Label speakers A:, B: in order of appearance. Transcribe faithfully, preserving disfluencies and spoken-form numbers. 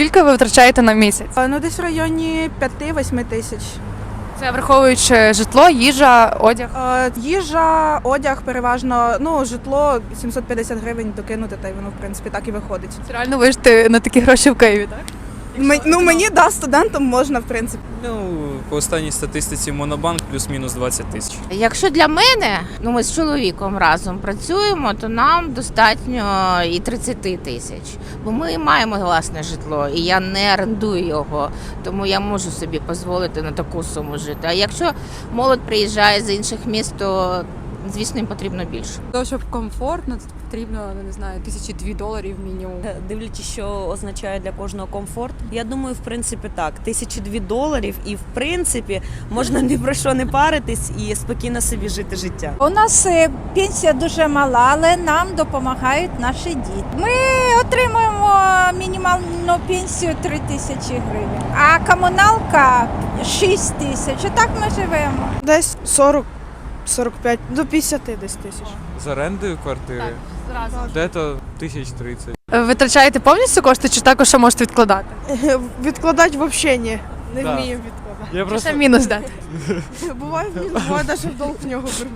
A: Скільки ви витрачаєте на місяць?
B: Е, Ну, десь в районі п'яти-восьми тисяч.
A: Це враховуючи житло, їжа, одяг.
B: Е, Їжа, одяг переважно, ну, житло сімсот п'ятдесят гривень докинути, та й воно, в принципі, так і виходить.
A: Це реально вижити на такі гроші в Києві, так?
B: М- ну, мені, да, студентам можна, в принципі.
C: Ну, по останній статистиці Монобанк плюс-мінус двадцять тисяч.
D: Якщо для мене, ну ми з чоловіком разом працюємо, то нам достатньо і тридцять тисяч. Бо ми маємо власне житло, і я не орендую його, тому я можу собі дозволити на таку суму жити. А якщо молодь приїжджає з інших міст, то звісно їм потрібно більше.
E: Для того, щоб комфортно, це потрібно, ну, не знаю, тисячі дві доларів мінімум.
F: Дивлячись, що означає для кожного комфорт. Я думаю, в принципі, так. Тисячі дві доларів, і в принципі можна ні про що не паритись і спокійно собі жити життя.
G: У нас е, пенсія дуже мала, але нам допомагають наші діти. Ми отримуємо мінімальну пенсію три тисячі гривень, а комуналка шість тисяч. Отак ми живемо.
B: Десь сорок сорок п'ять до п'ятдесят десь тисяч.
H: З орендою квартири?
A: Зразу.
H: Де-то тисяч тридцять.
A: Ви витрачаєте повністю кошти чи також ще можете відкладати?
B: Відкладати взагалі ні. Не
H: Да.
B: вмію відкладати.
H: Я
A: Чи
H: просто
A: ще мінус дати?
B: Буває, буває навіть в долг в нього беру.